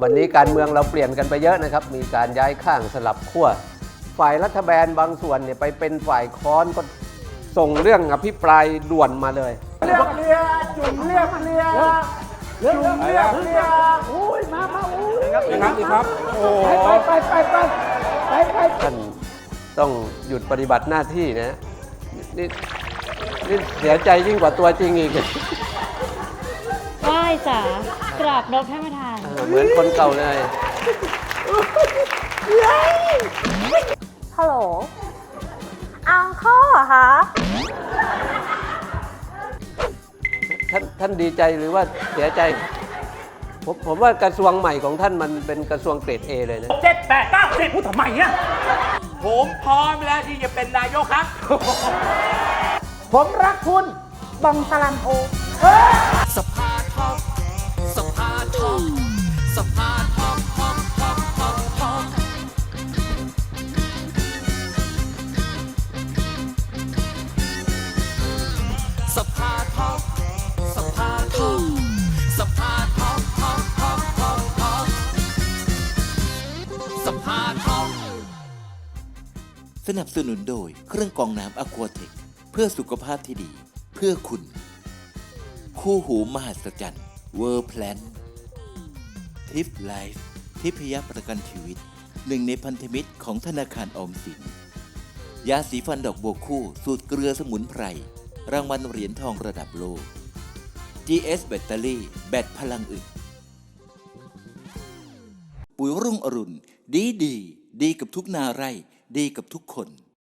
วันนี้การเมืองเราเปลี่ยนกันไปเยอะนะครับมีการย้ายข้างสลับขั้วฝ่ายรัฐบาลบางส่วนเนี่ยไปเป็นฝ่ายค้อนก็ส่งเรื่องอภิปรายด่วนมาเลยเรียกเรียจุ่มเรียกเรียจุ่มเรียกเรียอุ้ยมาอุ้ยครับโอ้ไปท่านต้องหยุดปฏิบัติหน้าที่นะนี่เสียใจยิ่งกว่าตัวจริงอีกไหว้จ๋ากราบนบท่านประธานเหมือนคนเก่าเลยฮัลโหลอังเคิลเหรอคะท่านดีใจหรือว่าเสียใจผมว่ากระทรวงใหม่ของท่านมันเป็นกระทรวงเกรด A เลยนะ 7 8 9 10พูดทำไมเนี่ยผมพร้อมแล้วที่จะเป็นนายกครับผมรักคุณบังสลันโอสภาทองสภาทองสภาทองทองทองทองทองสภาทองสภาทองสภาทองทองทองทองทองสภาทองสนับสนุนโดยเครื่องกรองน้ำอควาเทคเพื่อสุขภาพที่ดีเพื่อคุณคู่หูมหัศจรรย์เวอร์แพลนทิฟไลฟ์ทิพยประกันชีวิตหนึ่งในพันธมิตรของธนาคารออมสินยาสีฟันดอกบัวคู่สูตรเกลือสมุนไพรรางวัลเหรียญทองระดับโลก GS แบตเตอรี่แบตพลังอึดปุ๋ยรุ่งอรุณดีกับทุกนาไร่ดีกับทุกคน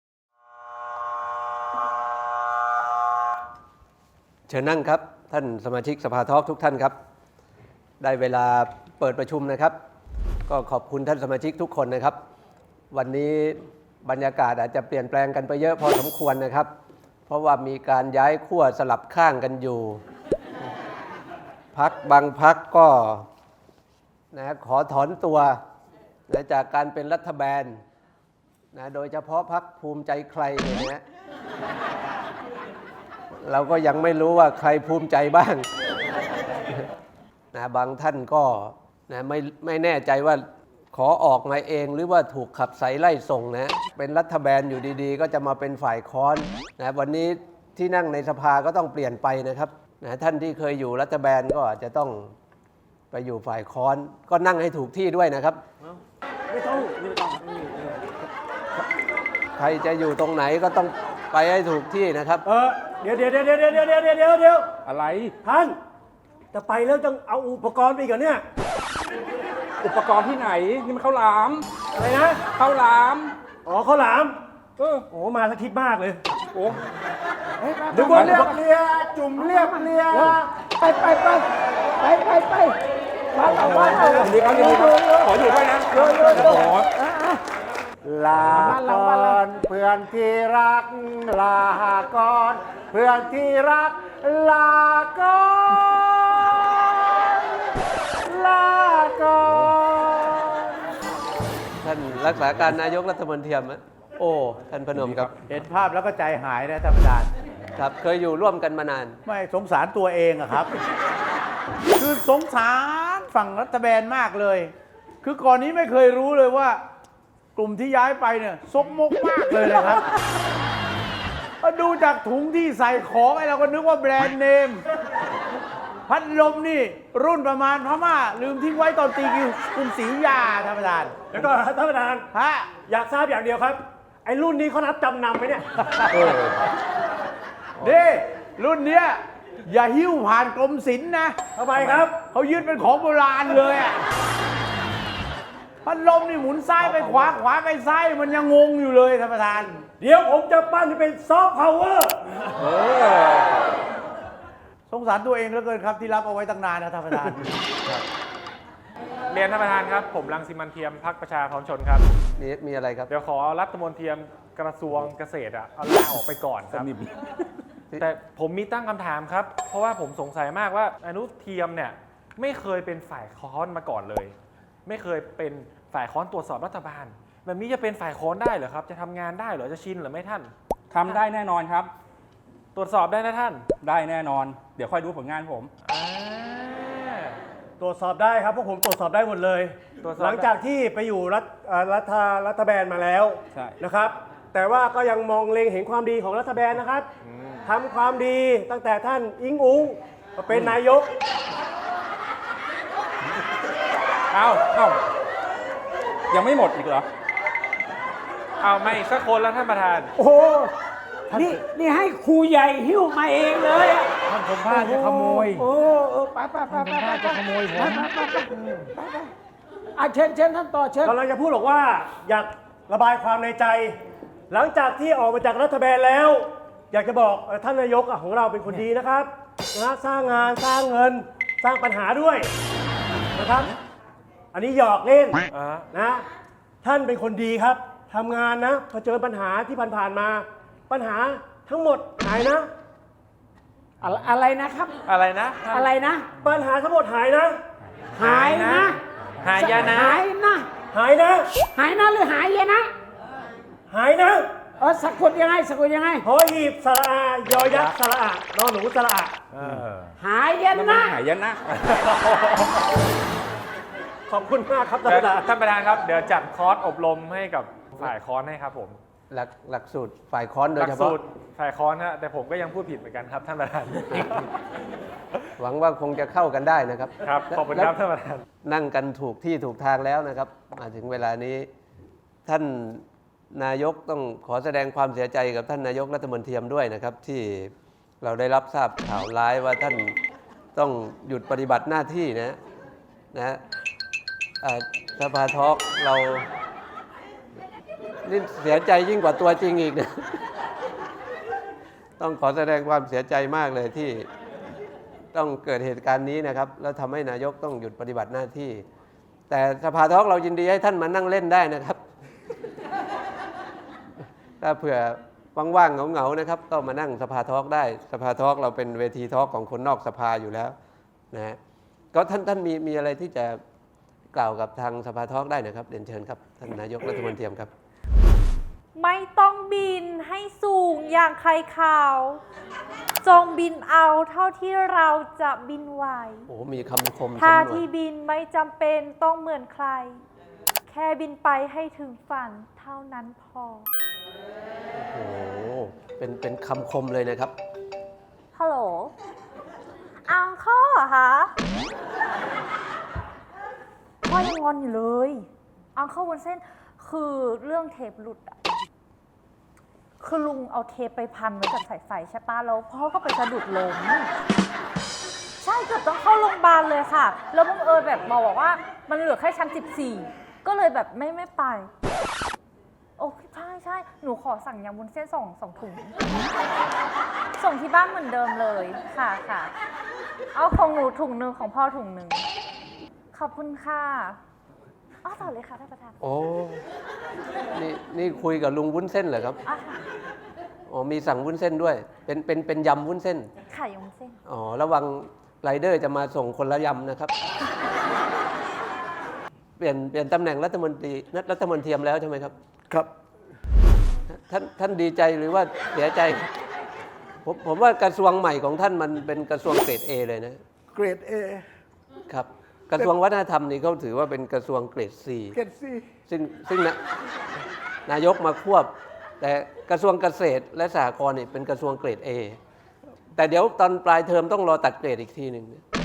เชิญนั่งครับท่านสมาชิกสภาทอล์กทุกท่านครับได้เวลาเปิดประชุมนะครับก็ขอบคุณท่านสมาชิกทุกคนนะครับวันนี้บรรยากาศอาจจะเปลี่ยนแปลงกันไปเยอะพอสมควรนะครับเพราะว่ามีการย้ายขั้วสลับข้างกันอยู่พรรคบางพรรคก็ขอถอนตัวจากการเป็นรัฐบาลโดยเฉพาะพรรคภูมิใจใครเนี่ยเราก็ยังไม่รู้ว่าใครภูมิใจบ้างบางท่านก็ไม่แน่ใจว่าขอออกมาเองหรือว่าถูกขับไสไล่ส่งเป็นรัฐบาลอยู่ดีๆก็จะมาเป็นฝ่ายค้อนวันนี้ที่นั่งในสภาก็ต้องเปลี่ยนไปนะครับท่านที่เคยอยู่รัฐบาลก็อาจจะต้องไปอยู่ฝ่ายค้อนก็นั่งให้ถูกที่ด้วยนะครับไม่ต้องใครจะอยู่ตรงไหนก็ต้องไปให้ถูกที่นะครับเดี๋ยวอะไรท่านจะไปแล้วต้องเอาอุปกรณ์ไปก่อนเนี่ยอุปกรณ์ที่ไหนนี่มันข้าวหลามอะไรนะข้าวหลามอ๋อข้าวหลามโอ้มาสักทิศมากเลยโอ้ดูว่าเรียกเรียจุ่มเรียกเรียไปมาดีครับขออยู่ด้วยนะลาก่อนเพื่อนที่รักลาก่อนเพื่อนที่รักลาก่อนลาก่อนท่านรักษาการนายกรัฐมนตรีโอ้ท่านพนมครับเห็นภาพแล้วก็ใจหายนะท่านประธานครับเคยอยู่ร่วมกันมานานไม่สงสารตัวเองอะครับคือสงสารฝั่งรัฐบาลมากเลยคือก่อนนี้ไม่เคยรู้เลยว่ากลุ่มที่ย้ายไปเนี่ยซกมกมากเลยนะครับดูจากถุงที่ใส่ของไอ้เราก็นึกว่าแบรนด์เนมพัดลมนี่รุ่นประมาณพม่าลืมทิ้งไว้ตอนตีกรุงศรีอยุธยาท่านประธานแล้วก็ท่านประธานอยากทราบอย่างเดียวครับไอ้รุ่นนี้เขารับจำนำไหมเนี่ยนี่รุ่นเนี้ยอย่าหิ้วผ่านกรมศิลป์นะทำไมครับเขายึดเป็นของโบราณเลยอ่ะพัดลมนี่หมุนซ้ายไปขวาขวาไปซ้ายมันยังงงอยู่เลยท่านประธานเดี๋ยวผมจะปั้นให้เป็นซอฟต์พาวเวอร์สงสารตัวเองเหลือเกินครับที่รับเอาไว้ตั้งนานนะท่านประธานเรียนท่านประธานครับผมรังสิมันต์เทียมพรรคประชาพร้อมชนครับนี่มีอะไรครับเดี๋ยวขอรัฐมนตรีกระทรวงเกษตรเอาลาออกไปก่อนครับแต่ผมมีตั้งคำถามครับเพราะว่าผมสงสัยมากว่าอนุเทียมเนี่ยไม่เคยเป็นฝ่ายค้อนมาก่อนเลยไม่เคยเป็นฝ่ายค้อนตรวจสอบรัฐบาลแบบนี้จะเป็นฝ่ายค้อนได้เหรอครับจะทำงานได้เหรอจะชินหรือไม่ท่านทำได้แน่นอนครับตรวจสอบได้นะท่านได้แน่นอนเดี๋ยวค่อยดูผลงานผมตรวจสอบได้ครับพวกผมตรวจสอบได้หมดเลยตรวจสอบหลังจากที่ไปอยู่รัฐบาลมาแล้วใช่นะครับ แต่ว่าก็ยังมองเล็งเห็นความดีของรัฐบาลนะครับทำความดีตั้งแต่ท่านอิงอุงมาเป็นนายกเอ้ายังไม่หมดอีกเหรอเอาไม่สักคนแล้วท่านประธานโอ้โหนี่ให้ครูใหญ่หิ้วมาเองเลยอะท่านสมภาษณ์จะขโมยโอ้ไปจะขโมยผมเชิญท่านต่อเชิญกำลังจะพูดบอกว่าอยากระบายความในใจ หลังจากที่ออกมาจากรัฐบาลแล้ว อยากจะบอกท่านนายกของเราเป็นคนดีนะครับนะสร้างงานสร้างเงินสร้างปัญหาด้วยนะครับ อันนี้หยอกเล่นนะท่านเป็นคนดีครับทำงานนะพอเจอปัญหาที่ผ่านๆมา ปัญหาทั้งหมดหายนะอะไรนะครับอะไรนะอะไรนะปัญหาทั้งหมดหายนะหายนะหายนะหายนะหายนะหายนะหรือหายยนะหายนะสะกดยังไงสะกดยังไงหอหีบสระอายอยักษ์สระอานอนหนูสระอาหายยนั่นนะมันหายนะขอบคุณมากครับท่านเดี๋ยวประธานท่านประธานครับ เดี๋ยวจัดคอร์สอบรมให้กับฝ่ายคอนให้ครับผมหลักสูตรฝ่ายค้อนโดหยลัเฉสูพาะตรฝ่ายคอนฮะแต่ผมก็ยังพูดผิดเหมือนกันครับท่านประธานหวังว่าคงจะเข้ากันได้นะครับครับขอบคุณครับท่านประธานนั่งกันถูกที่ถูกทางแล้วนะครับ มาถึงเวลานี้ ท่านนายกต้องขอแสดงความเสียใจกับท่านนายกรัฐมนตรีด้วยนะครับ ที่เราได้รับทราบข่าวร้ายว่าท่านต้องหยุดปฏิบัติหน้าที่นะสภาทอล์กเรานี่เสียใจยิ่งกว่าตัวจริงอีกนะ ต้องขอแสดงความเสียใจมากเลยที่ต้องเกิดเหตุการณ์นี้นะครับ แล้วทำให้นายกต้องหยุดปฏิบัติหน้าที่ แต่สภาทอล์กเรายินดีให้ท่านมานั่งเล่นได้นะครับ ถ้าเผื่อว่างๆเหงาๆนะครับ ก็มานั่งสภาทอล์กได้สภาทอล์กเราเป็นเวทีทอล์กของคนนอกสภาอยู่แล้วนะฮะก็ท่านมีอะไรที่จะกล่าวกับทางสภาทอล์กได้นะครับเรียนเชิญครับท่านนายกรัฐมนตรีครับไม่ต้องบินให้สูงอย่างใครข่าว จงบินเอาเท่าที่เราจะบินไหวโอ้มีคำคมท่าสำนวนที่บินไม่จำเป็นต้องเหมือนใคร แค่บินไปให้ถึงฝันเท่านั้นพอโอ้โหเป็นคำคมเลยนะครับฮัลโหล อังข้อเหรอคะพ่อยังงอนอยู่เลย อังข้อวุ้นเส้นคือเรื่องเทปหลุดอะคือลุงเอาเทปไปพันไว้กับสายไฟใช่ปะแล้วพ่อก็ไปสะดุดล้มใช่เกือบต้องเข้าโรงพยาบาลเลยค่ะ แล้วบังเอิญแบบหมอบอกว่ามันเหลือแค่ชั้น 14 ก็เลยแบบไม่ไป โอ้ใช่หนูขอสั่งยำวุ้นเส้นสองถุง ส่งที่บ้านเหมือนเดิมเลยค่ะเอาของหนูถุงหนึ่งของพ่อถุงหนึ่งขอบคุณค่ะอ้อต่อเลยค่ะท่านประธานโอ้นี่คุยกับลุงวุ้นเส้นเหรอครับอ่ะค่ะอ๋อมีสั่งวุ้นเส้นด้วย เป็นยำวุ้นเส้นไข่ยำวุ้นเส้นอ๋อระวังไรเดอร์จะมาส่งคนละยำนะครับ เปลี่ยนตำแหน่งรัฐมนตรีแล้วใช่ไหมครับครับท่านดีใจหรือว่าเสียใจครับผมว่ากระทรวงใหม่ของท่านมันเป็นกระทรวงเกรด A เลยนะเกรด A ครับ กระทรวงวัฒนธรรมนี่เขาถือว่าเป็นกระทรวงเกรด C เกรด C ซึ่งนายกมาควบ แต่กระทรวงเกษตรและสหกรณ์นี่เป็นกระทรวงเกรด A แต่เดี๋ยวตอนปลายเทอมต้องรอตัดเกรดอีกทีหนึ่ง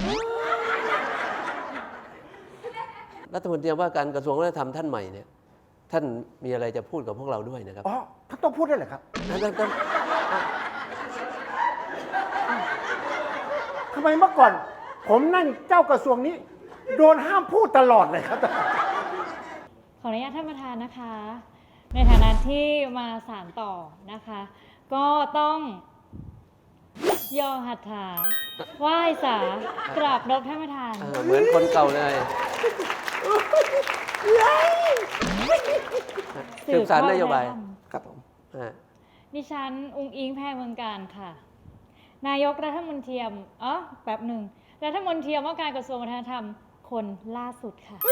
รัฐมนตรีว่าการกระทรวงวัฒนธรรมท่านใหม่เนี่ยท่านมีอะไรจะพูดกับพวกเราด้วยนะครับอ๋อท่านต้องพูดได้วยเหรอครับท่านทำไมเมื่อก่อน ผมนั่งเจ้ากระทรวงนี้ โดนห้ามพูดตลอดเลยครับขออนุญาตท่านประธานนะคะ ในฐานะที่มาสานต่อนะคะ ก็ต้องย่อหัตถาไหว้สากราบนบท่านประธานเหมือนคนเก่าเลยสืบสารนโยบายครับผมดิฉันอุ้งอิงแพรเมืองการค่ะ นายกรัฐมนตรีแป๊บหนึ่งรัฐมนตรีว่าการกระทรวงวัฒนธรรมคนล่าสุดค่ะ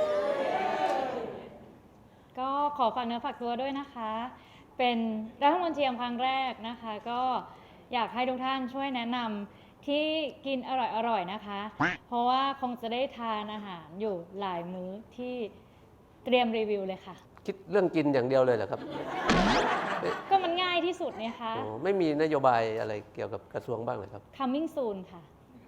ก็ขอฝากเนื้อฝากตัวด้วยนะคะ เป็นรัฐมนตรีครั้งแรกนะคะ ก็อยากให้ทุกท่านช่วยแนะนที่กินอร่อยๆนะคะ เพราะว่าคงจะได้ทานอาหารอยู่หลายมื้อที่เตรียมรีวิวเลยค่ะคิดเรื่องกินอย่างเดียวเลยเหรอครับก็มันง่ายที่สุดเนี่ยคะโอ้ไม่มีนโยบายอะไรเกี่ยวกับกระทรวงบ้างเลยครับ coming soon ค่ะ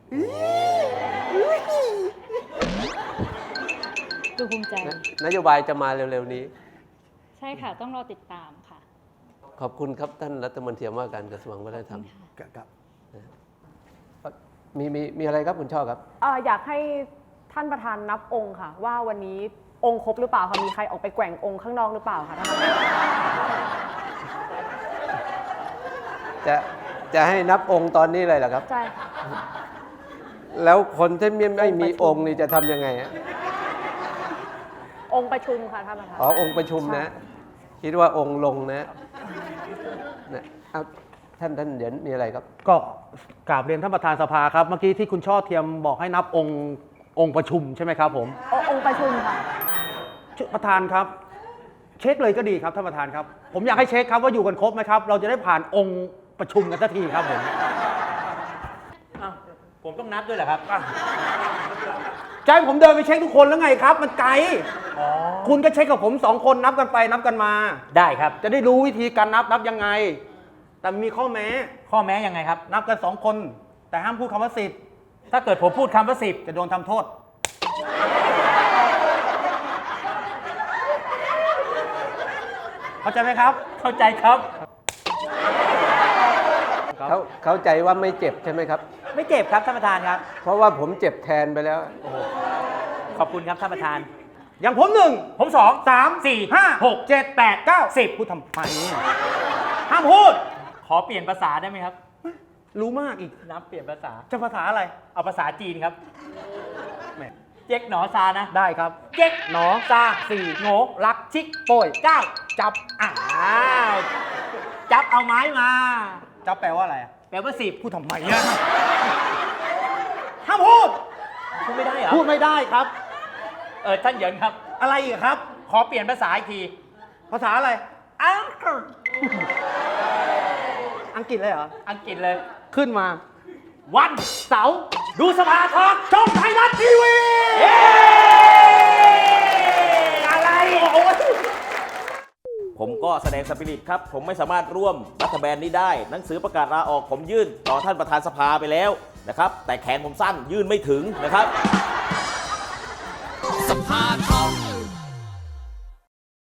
ดูภูมิใจนโยบายจะมาเร็วๆนี้ใช่ค่ะ ต้องรอติดตามค่ะขอบคุณครับท่านรัฐมนตรีว่าการกระทรวงวัฒนธรรมครับมีอะไรครับคุณช่อครับอยากให้ท่านประธานนับองค์ค่ะ ว่าวันนี้องค์ครบหรือเปล่าคะมีใครออกไปแกว่งองค์ข้างนอกหรือเปล่าคะท่านประธานจะให้นับองค์ตอนนี้เลยเหรอครับใช่ค่ะแล้วคนที่ไม่มีองค์นี่จะทำยังไงฮะองค์ประชุมค่ะท่านประธานอ๋อองค์ประชุมนะ คิดว่าองค์ลงนะเอาท่านเดี๋ยวมีอะไรครับก็กราบเรียนท่านประธานสภาครับ เมื่อกี้ที่คุณช่อเทียมบอกให้นับองค์ประชุมใช่ไหมครับผมองค์ประชุมค่ะประธานครับ เช็คเลยก็ดีครับท่านประธานครับ ผมอยากให้เช็คครับว่าอยู่กันครบไหมครับ เราจะได้ผ่านองค์ประชุมกันสักทีครับผมผมต้องนับด้วยเหรอครับใจผมเดินไปเช็คทุกคนแล้วไงครับ มันไกลคุณก็เช็คกับผม2 คนนับกันไปนับกันมาได้ครับจะได้รู้วิธีการนับยังไง แต่มีข้อแม้ข้อแม้ยังไงครับนับกัน2 คน แต่ห้ามพูดคำว่า10 ถ้าเกิดผมพูดคำว่า10 จะโดนทำโทษ เข้าใจไหมครับเข้าใจครับเข้าใจว่าไม่เจ็บใช่ไหมครับไม่เจ็บครับท่านประธานครับเพราะว่าผมเจ็บแทนไปแล้วขอบคุณครับท่านประธานอย่างผม1 ผม2 3 4 5 6 7 8 9 10 พูดทำไมห้ามพูดขอเปลี่ยนภาษาได้ไหมครับรู้มากอีกนับเปลี่ยนภาษาจะภาษาอะไรเอาภาษาจีนครับแหมเจ๊กหนอซานะได้ครับเจ๊กหนอซาสี่โง่รักชิกโป่ยเจ้าจับอ้าว จับเอาไม้มาจับแปลว่าอะไรอะแปลว่า10 พูดทำไมอะห้ามพูดพูดไม่ได้เหรอพูดไม่ได้ครับท่านเหยินครับอะไรอีกครับขอเปลี่ยนภาษาอีกทีภาษาอะไรอังกฤษอังกฤษเลยเหรออังกฤษเลยขึ้นมาวันเสาร์ดูสภาทอกช่องไทยรัฐทีวีอะไรโอ้ยผมก็แสดงสปิริตครับ ผมไม่สามารถร่วมรัฐบาลนี้ได้ หนังสือประกาศลาออกผมยื่นต่อท่านประธานสภาไปแล้วนะครับ แต่แขนผมสั้นยื่นไม่ถึงนะครับสภาท